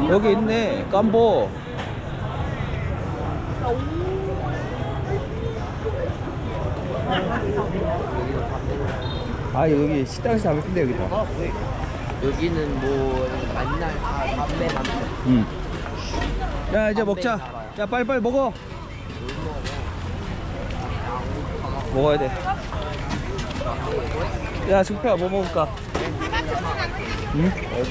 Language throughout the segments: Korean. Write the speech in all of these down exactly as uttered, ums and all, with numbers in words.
여기 있네. 깜보. 아 여기 식당에서 하면 큰데 여기다. 여기는 뭐 만날 아 담배 담배. 응. 야 이제 먹자. 야 빨리빨리 먹어. 먹어야 돼. 야 승표야 뭐 먹을까? 응?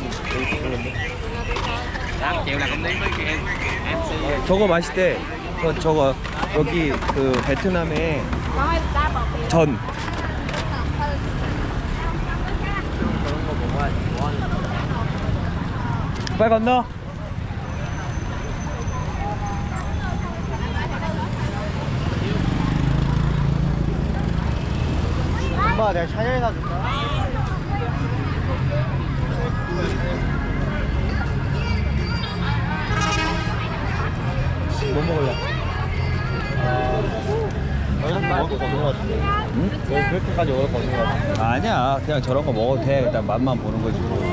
저거 맛있대. 저 저거 여기 그 베트남에 전. 그런 거 먹어야지. 뭐 하는 거야? 빨리 건너. 엄마 내가 샤넬 사줄까? 뭐 먹을래? 너희는 먹을 거 없는 거 같은데. 응? 너희 그렇게까지 먹을 거 없는 거 같은데. 아니야 그냥 저런 거 먹어도 돼. 일단 맛만 보는 거지 뭐.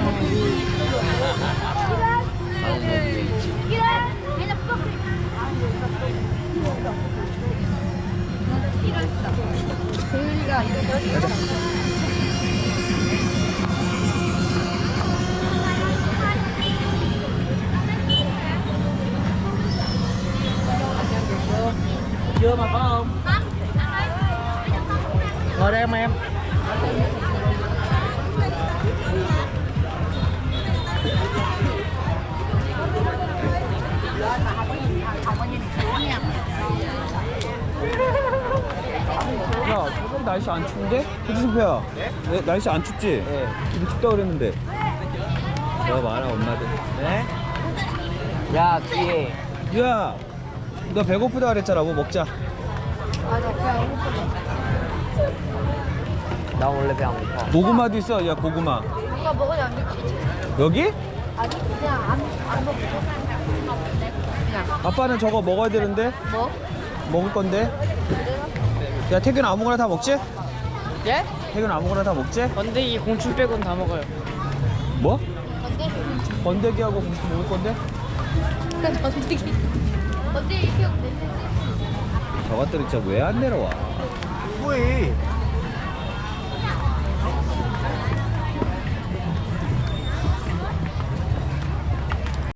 Chưa mà có không? Ngồi đây em em. 야, 저번 날씨 안 추운데? 그치, 승표야? 네? 날씨 안 춥지? 네. 근데 춥다 그랬는데. 너 많아, 엄마들. 네? 야 뒤에. 야, 너 배고프다 그랬잖아. 뭐 먹자. 나 원래 배 안 고파. 고구마도 있어. 야, 고구마. 누가 먹으지 않겠지? 여기? 아니 그냥 안, 안 먹고 그냥 아빠는 저거 먹어야 되는데? 뭐? 먹을 건데? 야, 태균 아무거나 다 먹지? 예? 태균 아무거나 다 먹지? 건데기 공춘 빼곤 다 먹어요. 뭐? 언제? 번데기하고 무슨 먹을 건데? 언제? 언제 이렇게 없는데? 저것들이 진짜 왜 안 내려와? 뭐해?